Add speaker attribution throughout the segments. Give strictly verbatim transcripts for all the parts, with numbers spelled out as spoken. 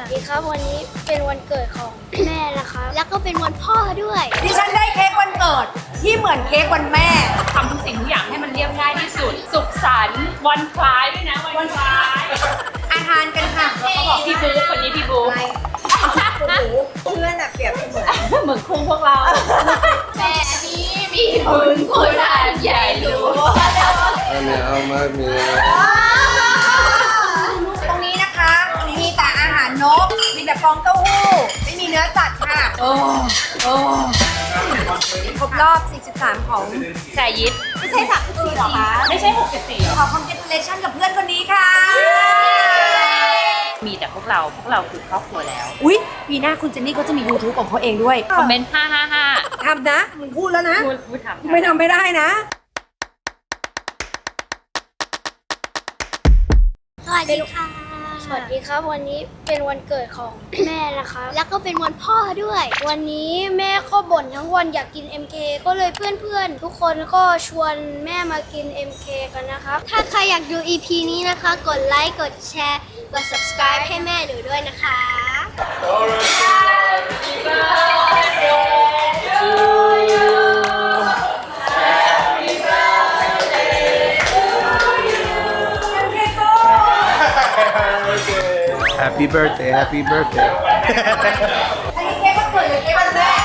Speaker 1: ดีครับวันนี้เป็นวันเกิดของแม่นะคะแล้วก็เป็นวันพ่อด้วย
Speaker 2: ดิฉันได้เค้กวันเกิดที่เหมือนเค้กวันแม่
Speaker 3: ทำทุกสิ่งทุกอย่างให้มันเรียบง่ายที่สุดสุขสันต์วันคล้ายด้วยนะวันคล้าย
Speaker 2: อาหารกันค่ะ
Speaker 3: เขาบอกพี่บุ๊กคนนี้พี่บุ๊ก
Speaker 2: เพื่อนอะเปรียบเสมือน
Speaker 3: เหมือนคู่พวกเราแต่นี้มีบุญคุณอันใหญ่หลวง
Speaker 4: อันนี้เอามามี
Speaker 2: ตรงนี้นะคะมีแต่อาหารนกมีแต่ฟองเต้าหู้ไม่มีเนื้อสัตว์ค่ะ
Speaker 3: โอ้โอ้
Speaker 2: ครบรอบสี่สิบสามของ
Speaker 3: สายยิด
Speaker 2: ไม่ใช่สามสิบสี่หรอคะ
Speaker 3: ไม่ใช่หกสิบสี่
Speaker 2: ขอ congratulation กับเพื่อนคนนี้ค่ะ
Speaker 3: มีแต่พวกเราพวกเราคือครอบครัวแล้ว
Speaker 2: อุ๊ยปีหน้าคุณเจนนี่เขาจะมี YouTube ของเขาเองด้วย
Speaker 3: คอมเมนต์ห้าห้าห้า
Speaker 2: ทำนะมึงพูดแล้วนะ
Speaker 3: พูดพูดทำ
Speaker 2: ไม่ทำไม่ได้นะ
Speaker 1: สวัสดีค่ะสวัสดีครับวันนี้เป็นวันเกิดของแม่นะคะแล้วก็เป็นวันพ่อด้วยวันนี้แม่ก็บ่นทั้งวันอยากกิน เอ็ม เค ก็เลยเพื่อนๆทุกคนก็ชวนแม่มากิน เอ็ม เค กันนะครับถ้าใครอยากดู อี พี นี้นะคะกดไลค์กดแชร์กด ซับสไครบ์ ให้แม่หนูด้วยนะคะ
Speaker 4: Happy birthday Happy birthday
Speaker 2: อันนี้เค้กวันเกิดหรือเค้กวันแม่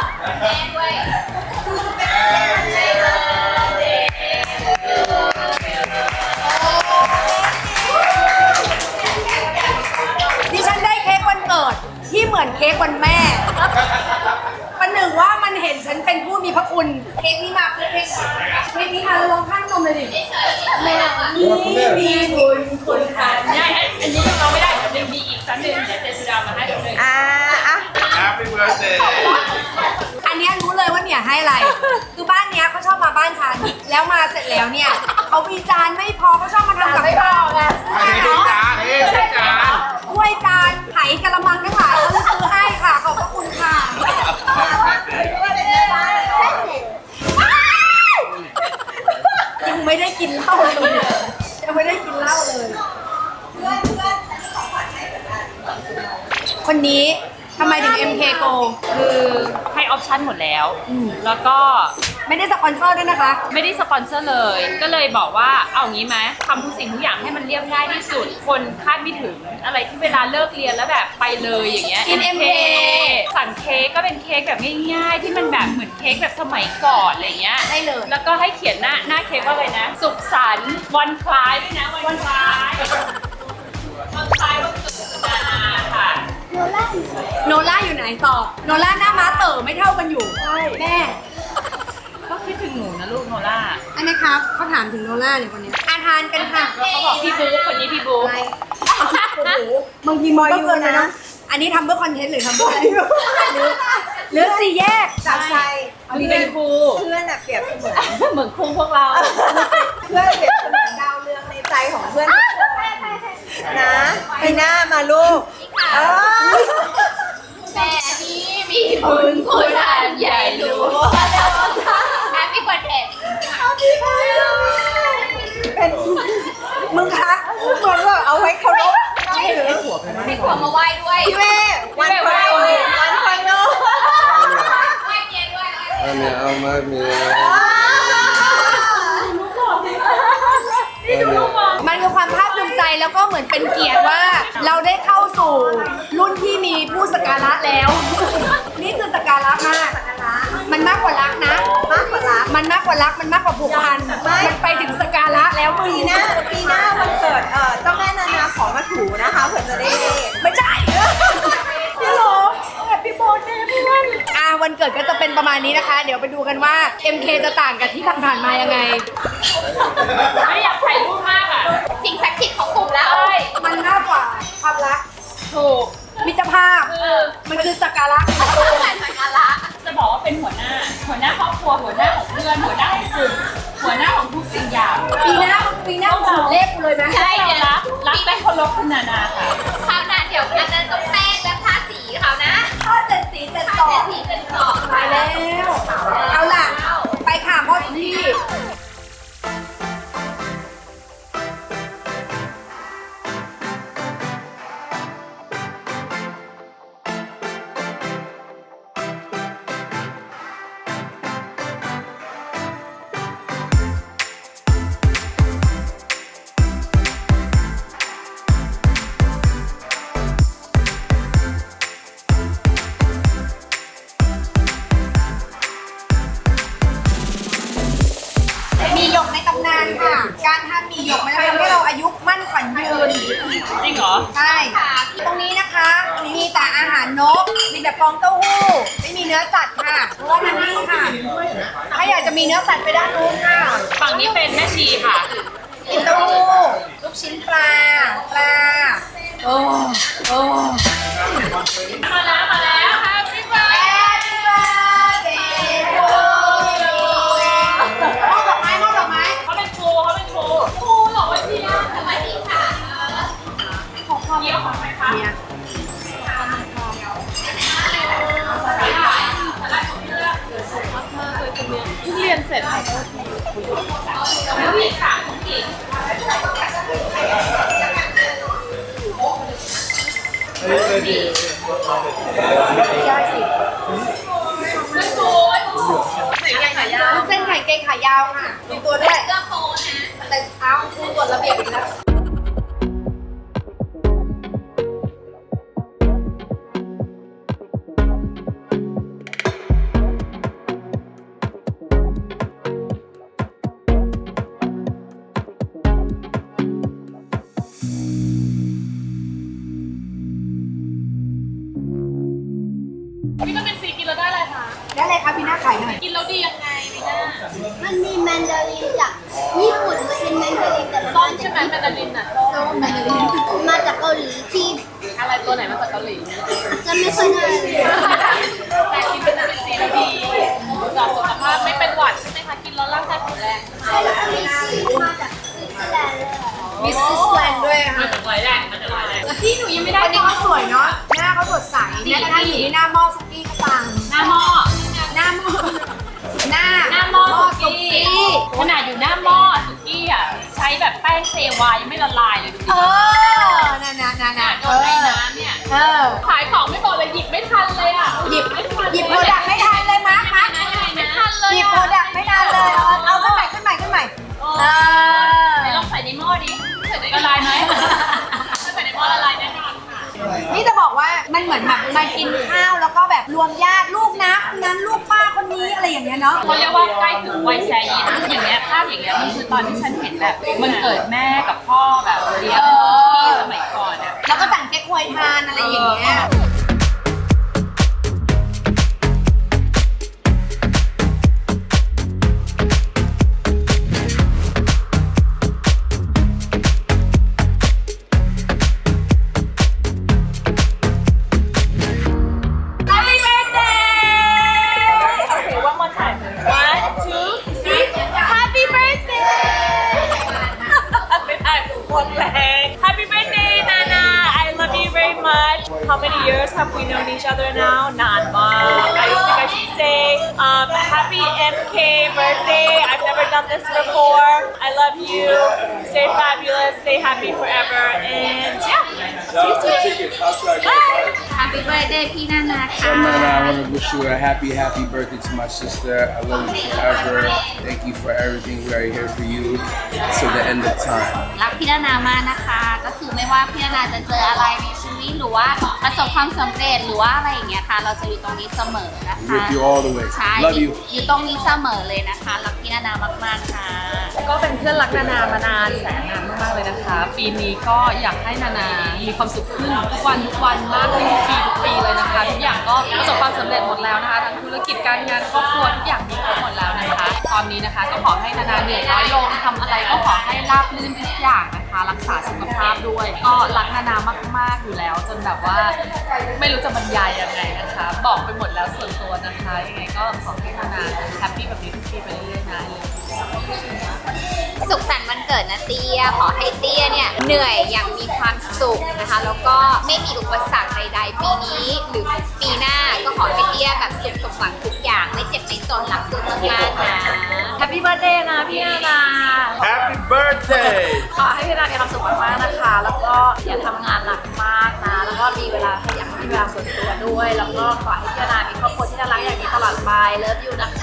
Speaker 2: ดิฉันได้เค้กวันเกิดที่เหมือนเค้กวันแม่ประหนึ่งว่ามันเห็นฉันเป็นผู้มีพระคุณเค้กนี้มาเค้กเค้กนี้มาแล้วลองข้างนมเลยดิแม่มีบุญคุณค่ะ
Speaker 3: ได้อันนี้เราไม่ได้มันยังมีอีกสักหนึ่งเดี๋ยวเจสุดามาให้หนึ่ง
Speaker 2: อ่าอ่ะ
Speaker 4: Happy birthday
Speaker 2: อันนี้รู้เลยว่าเนี่ยให้อะไรคือบ้านเนี้ยเขาชอบมาบ้านฉันแล้วมาเสร็จแล้วเนี่ยเขามีจานไม่พอเขาชอบมาทำกับข้าวไง
Speaker 4: อันนี้เป็นจานนี่เป็นจาน
Speaker 2: ถ้วยจานไหกระมังทั้งหลายเขาเลยซื้อให้ค่ะขอบพระคุณค่ะยังไม่ได้กินเหล้าเลยยังไม่ได้กินเหล้าเลยคนนี้ทำไมถึง เอ็ม เค Go
Speaker 3: คือให้ออปชั่นหมดแล้วแล้วก็
Speaker 2: ไม่ได้สปอนเซอร์ด้วยนะคะ
Speaker 3: ไม่ได้สปอนเซอร์เลยก็เลยบอกว่าเอางี้ไหมทำทุกสิ่งทุกอย่างให้มันเรียบง่ายที่สุดคนคาดไม่ถึงอะไรที่เวลาเลิกเรียนแล้วแบบไปเลยอย่างเงี้ย
Speaker 2: กิน เอ็ม เค
Speaker 3: สั่งเค้กก็เป็นเค้กแบบง่ายๆที่มันแบบเหมือนเค้กแบบสมัยก่อนอะไรเงี้ย
Speaker 2: ได้เลย
Speaker 3: แล้วก็ให้เขียนหน้าหน้าเค้กว่าอะไรนะสุขสันต์วันคล้ายด้วยนะวันคล้ายวันคล้ายวันเกิดสุดานาค่ะ
Speaker 2: โนล่าโนล่าอยู่ไหนต่อโนล่าหน้าม้าเต๋อไม่เท่ากันอยู่แม่
Speaker 3: ก็คิดถึงหนูนะลูกโนล่า
Speaker 2: อันนี้ครับเขาถามถึงโนล่าเนี่ยคนนี้อาทานกันค่ะ
Speaker 3: เขาบอกพี่บุ๊กคนนี้พี่บุ๊ก
Speaker 2: บางทีมอยอยู่นะอันนี้ทำเพื่อคอนเทนต์หรือทำเพื่ออะไรหรือสี่แยก
Speaker 3: จากใจมีเป็นครู
Speaker 5: เพื่อนอะเปรียบเสมือน
Speaker 3: เหมือนครูพวกเรา
Speaker 5: เพื่อนเปรียบเสมือนดาวเรืองในใจของเพื่อนนะไปหน้ามาลูก
Speaker 3: แต่นี้มีบุญคุณอันใหญ่หลวงแฮปปี้วันเด็ก
Speaker 5: เป็น
Speaker 2: มึงคะ
Speaker 5: เหมือนแบบเอาไว้เคารพ
Speaker 3: ให้ถือให้ขวบมาไหว้ด้วย
Speaker 5: พี่แม่วันคอยวันคอยโน่
Speaker 4: อันนี้เอามามี
Speaker 2: มันคือความภาคภูมิใจแล้วก็เหมือนเป็นเกียรติว่าเราได้เข้าสู่รุ่นที่มีผู้สักการะแล้วนี่คือสักการะมากมันมากกว่ารักนะ
Speaker 5: มากกว่ารัก
Speaker 2: มันมากกว่ารักมันมากกว่าผูกพันมันไปถึงสักการะแล้วมึง
Speaker 5: ปีหน้าปีหน้าวันเกิดเอ่อเจ้าแม่นานาขอมาถูนะคะเผื่อจะได้
Speaker 2: ไม่ใช่พี่หลงแฮปปี้โบว์เดย์เพื่อนอ่าวันเกิดก็จะเป็นประมาณนี้นะคะเดี๋ยวไปดูกันว่า เอ็ม เค จะต่างกับที่ผ่านๆมายังไง
Speaker 3: ไม่อยากถ่ายรูปมากอ่ะสิ่งศักดิ์สิทธิ์ของกลุ่มแล้ว
Speaker 2: มันมากกว่าความรัก
Speaker 3: ถูก
Speaker 2: มิตรภาพมันคือสักการะ
Speaker 3: สักการะจะบอกว่าเป็นหัวหน้าหัวหน้าครอบครัวหัวหน้าของเพื่อนหัวหน้าของกลุ่มหัวหน้าของทุกสิ่งอย่าง
Speaker 2: ปีหน้าปีหน้าขอเลขกูเลยไหม
Speaker 3: ใช่เลยรักรักและเคารพคุณนานาค่ะ
Speaker 6: คราวหน้าเดี๋ยวอันนั้นต้องแป้งและทาสีเขานะ
Speaker 2: ทาเจ็ดสีเจ็ดสอง
Speaker 6: สีเป็นสอง
Speaker 2: ไปแล้วเอาล่ะไปค่ะพ่อพี่นก มีแต่ฟองเต้าหู้ ไม่มีเนื้อสัตว์ค่ะ เพราะว่านั่นนี่ค่ะ ถ้าอยากจะมีเนื้อสัตว์ไปด้านนู้นค่ะ
Speaker 3: ฝั่งนี้เป็นแม่ชีค่ะ
Speaker 2: กินเต้าหู้ ลูกชิ้นปลา ปลา โอ้โอ้
Speaker 3: มาแล้วมาแล้ว Happy birthday
Speaker 2: Happy birthday to you มอบดอกไม้มอบดอกไม้
Speaker 3: เขาเป็นครูเขาเป็นครูครูเหรอวันนี้สวัสดีค่ะของความเยี่ยมของใครคะเนี่ยเพิ่งเรียนเสร็จค่ะผู้หญิงค่ะผู้หญิงไม่โกยไหนแกงขายาว
Speaker 2: ลูกเส้นไข่เกงขายาวค่ะมีตัวด้วย
Speaker 6: เสื้อโค้ทนะ
Speaker 2: แต่เท้าคู่กฎระเบียบอีกแล้ว
Speaker 3: วิตามินซีกินแล้วได้อะไรคะ
Speaker 2: ได้เลยครับพี่หน้าไข่หน่อย
Speaker 3: กินแล้วดียังไงวิน่า
Speaker 1: มันมีแมนดารินจากญี่ปุ่นมันเป็นแมนดารินแต่ซ่อน
Speaker 3: ใช่ไหมแมนดารินอ่ะ
Speaker 1: ส้มแมนดารินมาจากเกาหลีที่
Speaker 3: อะไรตัวไหนมาจากเกาหลี
Speaker 1: จะไม่ค่อยน่า
Speaker 3: แต่กินวิตามินซีแล้วดีต่อสุขภาพไม่เป็นหวัดใช่ไหมคะกินแล้วร่างกายแข็งแรง
Speaker 1: ใช่แล้วก็มีซีมาจากสวิตเซอร์แลนด์เลย
Speaker 2: มิสซิสแลนด์ด้วย
Speaker 3: มา
Speaker 2: ค่ะ
Speaker 3: จากไรแดงมาจากไรแดงพี่หนูยังไม่ได้
Speaker 2: วันนี้เขาสวยเนาะ หน้าเขาสดใสแม้กระทั่งอยู่ที่หน้าหม้อสุกี้ก็ปัง
Speaker 3: หน้าหม้อ
Speaker 2: หน้าหม้อ หน้า
Speaker 3: หน้าหม้อ
Speaker 2: สุ
Speaker 3: สุกี้
Speaker 2: กี้
Speaker 3: ขนาดอยู่หน้าหม้อสุกี้อ่ะใช้แบบแป้งเซวายังไม่ละลายเลยดู
Speaker 2: เอ
Speaker 3: ดิ
Speaker 2: อน่ะน่ะน่ะน่ะ
Speaker 3: โดนไอ้น้ำเนี่ย
Speaker 2: เออ
Speaker 3: ขายของไม่บอกเลยหยิบไม่ทันเลยอ่ะ
Speaker 2: หยิบ
Speaker 3: ไม่ทัน
Speaker 2: หยิบโปรดักต์ไม่ทันเลยมาร์คมาร์ค
Speaker 3: ไม่ทันเลย
Speaker 2: หยิบโปรดักต์ไม่ทันเลย เอาเอาขึ้นใหม่ขึ้นใหม่ขึ้นใหม่เออ
Speaker 3: ไหนลองใส่ในหม้อดิละลายไหมถ้าใส่ในหม้อละลายแน่นอนค่ะ
Speaker 2: นี่จะบอกว่ามันเหมือนแบบมากินข้าวแล้วก็แบบรวมญาติลูกนะคนนั้นลูกป้าคนนี้อะไรอย่างเงี้ยเนาะ
Speaker 3: เขาเรียกว่าใกล้ถึงวัยแซยีนะอย่างเงี้ยภาพอย่างเงี้ยมันคือตอนที่ฉันเห็นแบบมันเกิดแม่กับพ่อแบบเลี้ยงพี่สมัยก่อนอะ
Speaker 2: แล้วก็สั่งเค้กฮวยทานอะไรอย่างเงี้ย
Speaker 3: Happy birthday Okay one more time one two three Happy birthday ไม่ได้หมดแรง Happy birthday Nana I love you very much How many years have we known each other now นานมาก I think I should say um, Happy เอ็ม เค birthday I've never done this before I love you Stay fabulous Stay happy forever and yeah see you soon Bye
Speaker 6: Happy birthday พี่นานา
Speaker 4: So,
Speaker 6: ค่ะ
Speaker 4: man, I want to wish you a happy, happy birthday to my sister. I love you forever. Thank you for everything. We are here for you till the end of time.
Speaker 6: รักพี่นานามากนะคะ ก็คือไม่ว่าพี่นานาจะเจออะไรในชีวิตหรือว่าประสบความสำเร็จหรือว่าอะไรอย่างเงี้ยค่ะ เราจะอยู่ตรงนี้เสมอนะคะ
Speaker 4: With you all the way.
Speaker 6: ใช่
Speaker 4: Love you.
Speaker 6: อยู่ตรงนี้เสมอเลยนะคะรักพี่นานามากๆค่ะ
Speaker 3: ก็เป็นเพื่อนรักนานามานานแสนนานมากๆเลยนะคะ ปีนี้ก็อยากให้นานามีความสุขขึ้นทุกวันทุกวันมากขึ้นทุกปีทุกปีเลยนะคะทุกอย่างก็ประสบความสำเร็จหมดแล้วนะคะทั้งธุรกิจการงานครอบครัวทุกอย่างมีครบหมดแล้วนะคะ ตอนนี้นะคะก็ขอให้นานาเหนื่อยน้อยลงทำอะไรก็ขอให้ราบรื่นทุกอย่างนะคะ รักษาสุขภาพด้วย ก็รักนานามากๆอยู่แล้ว จนแบบว่าไม่รู้จะบรรยายยังไงนะคะ บอกไปหมดแล้วส่วนตัวนะคะยังไงก็ขอให้นานาแฮปปี้แบบนี้ทุกปีไปเรื่อยๆนะเลย
Speaker 6: สุขสันต์วันเกิดนะเตี้ย ขอให้เตี้ยเนี่ยเหนื่อยอย่างมีความสุขนะคะ แล้วก็ไม่มีอุปสรรคใดๆ ปีนี้หรือปีหน้าก็ขอให้เตี้ยแบบสุขสมหวังทุกอย่างไม่เจ็บไม่จนรักตัวมากๆนะ
Speaker 3: Happy birthday นะพี่นานา
Speaker 4: Happy birthday!
Speaker 3: ขอให้พี่นานามีความสุขมากๆนะคะ แล้วก็อย่าทำงานหนักมากนะ แล้วก็มีเวลาขยันมีเวลาส่วนตัวด้วย แล้วก็ขอให้พี่นานามีครอบครัวที่น่ารักอย่างนี้ตลอดไป เลิฟยูนะคะ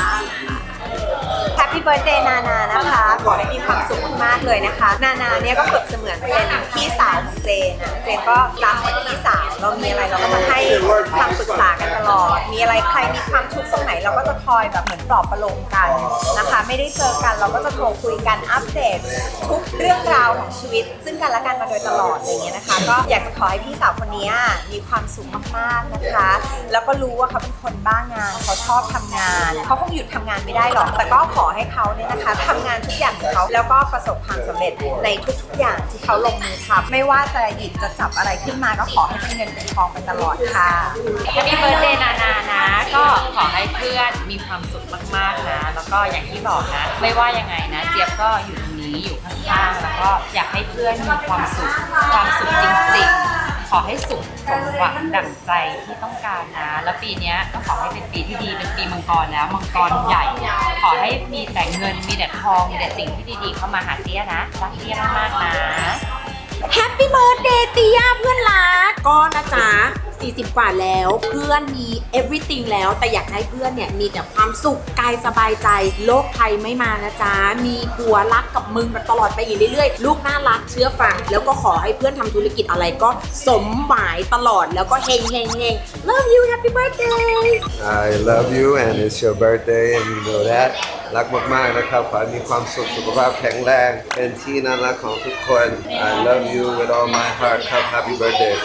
Speaker 5: Happy birthday นานานะคะ ขอให้มีความสุขมากๆเลยนะคะ นานาเนี่ยก็เปรียบเสมือนเป็นพี่สาวของเจนนะเจนก็รักเหมือนพี่สาวเรามีอะไรเราก็จะให้คำปรึกษากันตลอดมีอะไรใครมีความทุกข์ตรงไหนเราก็จะคอยแบบเหมือนปลอบประโลมกันนะคะไม่ได้เจอกันเราก็จะโทรคุยกันอัปเดตทุกเรื่องราวของชีวิตซึ่งกันและกันมาโดยตลอดอะไรเงี้ยนะคะก็อยากจะขอให้พี่สาวคนนี้มีความสุขมากๆนะคะแล้วก็รู้ว่าเขาเป็นคนบ้างานเขาชอบทำงานเขาคงหยุดทำงานไม่ได้หรอกแต่ก็ขอให้เขาเนี่ยนะคะทำงานทุกอย่างของเขาแล้วก็ประสบความสำเร็จในทุกๆอย่างที่เขาลงมือทำไม่ว่าจะหยิบจะจับอะไรขึ้นมาก็ขอให้เป็นเงินเป็นทองไปตลอดค่ะ
Speaker 3: แฮปปี้เบิร์ธเดย์นานานะ ก็ขอให้เพื่อนมีความสุขมากๆนะ แล้วก็อย่างที่บอกนะ ไม่ว่ายังไงนะ เจี๊ยบก็อยู่ตรงนี้อยู่ข้างๆ แล้วก็อยากให้เพื่อนมีความสุข ความสุขจริงๆ ขอให้สุขสมหวังดั่งใจที่ต้องการนะ แล้วปีนี้ก็ขอให้เป็นปีที่ดี เป็นปีมังกรแล้ว มังกรใหญ่ ขอให้มีแต่เงิน มีแต่ทอง มีแต่สิ่งที่ดีๆ เข้ามาหาเตี้ยนะ รักเตี้ยมากๆนะ
Speaker 2: แฮปปี้เบิร์ดเดย์ติยาเพื่อนรักก็นะจ๊ะสี่สิบกว่าแล้วเพื่อนมี everything แล้วแต่อยากให้เพื่อนเนี่ยมีแต่ความสุขกายสบายใจโรคภัยไม่มานะจ๊ะมีผัวรักกับมึงมาตลอดไปอีกเรื่อยๆลูกน่ารักเชื่อฟังแล้วก็ขอให้เพื่อนทำธุรกิจอะไรก็สมหมายตลอดแล้วก็เฮงเฮงเฮง love you happy birthday
Speaker 7: I love you and it's your birthday and you know that รักมากๆนะครับขอให้มีความสุขสุขภาพแข็งแรงเป็นที่น่ารักของทุกคน I love you with all my heart ครับ Happy birthday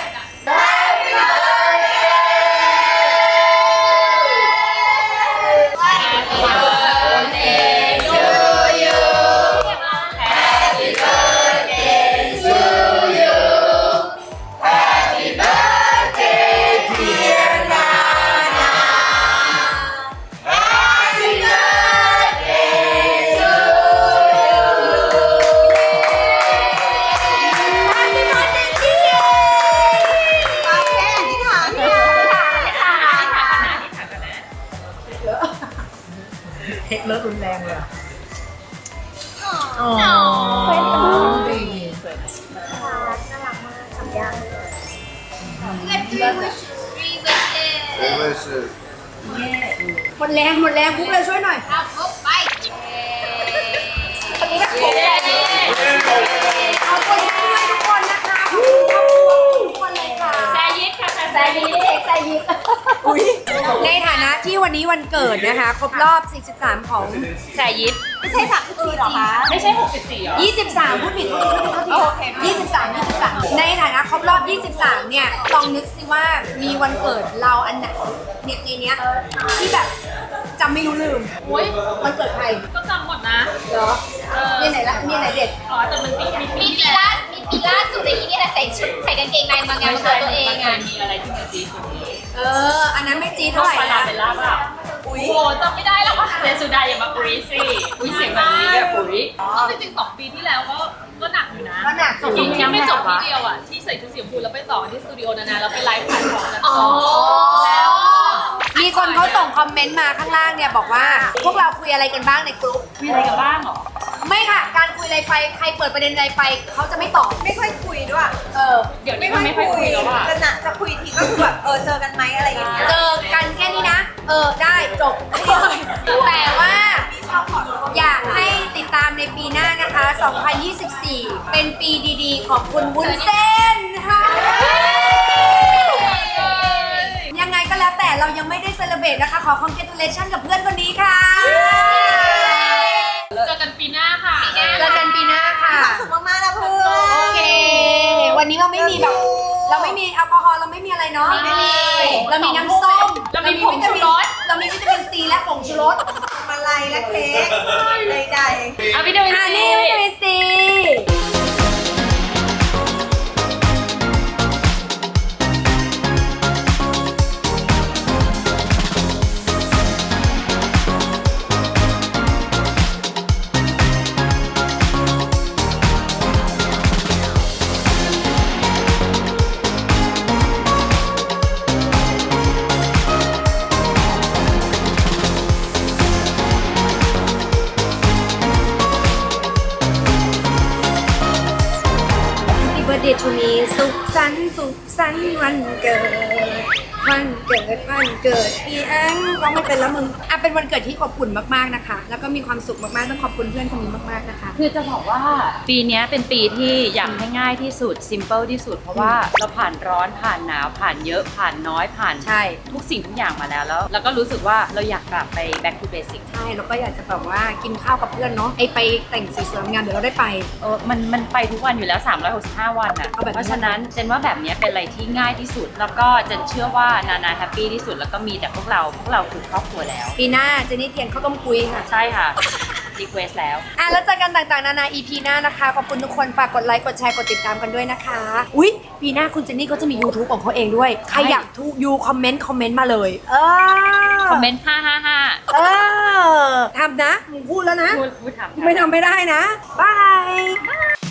Speaker 5: เทคเลิกรุนแรงเลยอ่ะ
Speaker 1: อ๋อ
Speaker 5: เป็นกันจริง
Speaker 7: Good wishes
Speaker 2: หมดแรงหมดแรงปุ๊บเลยช่วยหน่อย
Speaker 6: เอาพบไป
Speaker 2: ขอบคุณทุกคนนะคะขอบคุณทุกคนเลยค่ะ
Speaker 3: แซยิดค่ะแซยิด
Speaker 2: อุ๊ยในฐานะที่วันนี้วันเกิดนะคะ ครบรอบ สี่สิบสาม ของ
Speaker 3: แซยิด
Speaker 2: ไม่ใช่สามสิบสี่หรอคะ
Speaker 3: ไม่ใช่หกสิบสี่หรอ
Speaker 2: ยี่สิบสามพูดผิดพูดผิดพูดผิดพูดผิดยี่สิบสาม ยี่สิบสามในฐานะครบรอบ ยี่สิบสาม เนี่ยลองนึกสิว่ามีวันเกิดเราอันไหนเนี่ยในเนี้ยที่แบบจำไม่รู้ลืม
Speaker 3: โอ้ย
Speaker 2: วันเกิดใคร
Speaker 3: ก็จำหมดนะ
Speaker 2: เหรอ
Speaker 3: เออ
Speaker 2: มีไหนละมีไหนเด็ด
Speaker 3: อ๋อแต่มันมีมี
Speaker 6: มีปีล่ามีปีล่าสุดในนี้เนี่ยใส่ชุดใส่กางเกงในมางานวันเกิดตัวเองอ่ะ
Speaker 3: มีอะไรที่มันดีสุดนี้
Speaker 2: เออ อันนั้นไม่จีดเท่าไหร่
Speaker 3: ปลา
Speaker 2: นะ
Speaker 3: เบลล่าเปล่า
Speaker 2: อุ๊ย
Speaker 3: โอ้โหจำไม่ได้แล้วว่ะเจสุดาอย่ามาปุริสิอุ้ยเสียงแบบนี้แบบปุริก็จริงๆสองปีที่แล้วก็ก็หนักอยู่นะ
Speaker 2: ก็หนัก
Speaker 3: จริงๆยังไม่จบที่เดียวอ่ะที่ใส่ชุดสีชมพูแล้วไปต่อที่สตูดิโอนานาแล้วไปไลฟ์ขายของกันต่อแล้ว
Speaker 2: มีคนเขาส่งคอมเมนต์มาข้างล่างเนี่ยบอกว่า พวกเราคุยอะไรกันบ้างในกลุ่ม
Speaker 3: มีอะไรกันบ้างเหรอ
Speaker 2: ไม่ค่ะ การคุยอะไรไปใครเปิดประเด็นอะไรไปเขาจะไม่ตอบ
Speaker 5: ไม่ค่อยคุยด้วย
Speaker 2: เออ
Speaker 3: เดี๋ยวนี้มันไม่ค่อยคุยแล้วอ่ะ
Speaker 5: จะนะจะคุยทีก็คือแบบเออเจอกันไหมอะไรอย่างเงี้ย
Speaker 2: เจอกันแค่นี้นะ เออ ได้จบแต่ว่าอยากให้ติดตามในปีหน้านะคะ สองพันยี่สิบสี่ เป็นปีดีๆ ของคุณวุ้นเส้นค่ะยังไงก็แล้วแต่เรายังไม่ได้เซเลบรตนะคะ ขอ congratulation กับเพื่อนคนนี้ค่ะ
Speaker 3: เจอกันปีหน้าค่ะ
Speaker 2: เจอกันปีหน้าค่ะ
Speaker 5: ความสุขมากๆนะเพื่อน
Speaker 2: โอเค วันนี้เราไม่มีแบบ เราไม่มีแอลกอฮอล์เราไม่มีอะไรเนาะ
Speaker 3: ไม่มี
Speaker 2: เรามีน้ำส้ม
Speaker 3: เรามีผงชูรส
Speaker 2: เรามีวิตามินซีและผงชูรส
Speaker 5: มาลัยและเค้กใด
Speaker 3: เอาวิดีโอ
Speaker 2: อ่านี่วิตามินซีเบอร์เดย์ทูมีสุขสันต์สุขสันต์วันเกิดวันเกิดวันเกิดอีแองร้องไม่เป็นแล้วมึงอ่ะเป็นวันเกิดที่อบอุ่นมากๆนะคะ แล้วก็มีความสุขมากๆต้องขอบคุณเพื่อนคนนี้มากๆนะคะ
Speaker 3: คือจะบอกว่าปีเนี้ยเป็นปีที่อยากให้ง่ายที่สุด simple ที่สุด เพราะว่าเราผ่านร้อนผ่านหนาวผ่านเยอะผ่านน้อยผ่าน
Speaker 2: ใช่
Speaker 3: ทุกสิ่งทุกอย่างมาแล้วแล้วแล้วก็รู้สึกว่าเราอยากกลับไป back to basic
Speaker 2: ใช่แล้วก็อยากจะแบบว่ากินข้าวกับเพื่อนเนาะไอไปแต่งสวยๆงานเดี๋ยวเราได้ไป
Speaker 3: เออมันมันไปทุกวันอยู่แล้วสามร้อยหกสิบห้าวันอ่ะ
Speaker 2: เอาแบบนี้
Speaker 3: เพราะฉะนั้นเจนว่าแบบเนี้ยเป็นอะไรที่ง่ายที่สุด แล้วก็เจนเชื่อว่านานาแฮปปี้ที่สุดแล้วก็มีแต่พวกเราพวกเราคือครอบครัวแล้ว
Speaker 2: ปีหน้าเจนนี่เทียนข้าวต้มกุยค่ะ
Speaker 3: ใช่ค่ะ request แล้ว
Speaker 2: อ่ะแล้วเจอกันต่างๆนานา อี พี หน้านะคะ ขอบคุณทุกคนฝากกดไลค์กดแชร์กดติดตามกันด้วยนะคะ อุ๊ย ปีหน้าคุณเจนนี่ก็จะมี YouTube ของเขาเองด้วย ใครอยากทุกยูคอมเมนต์คอมเมนต์มาเลย เออ
Speaker 3: คอมเมนต์ห้าห้าห้า
Speaker 2: เออทำนะมึงพูดแล้วนะ
Speaker 3: พูดพูดทำค่ะ
Speaker 2: ไม่ทำไม่ได้นะ บาย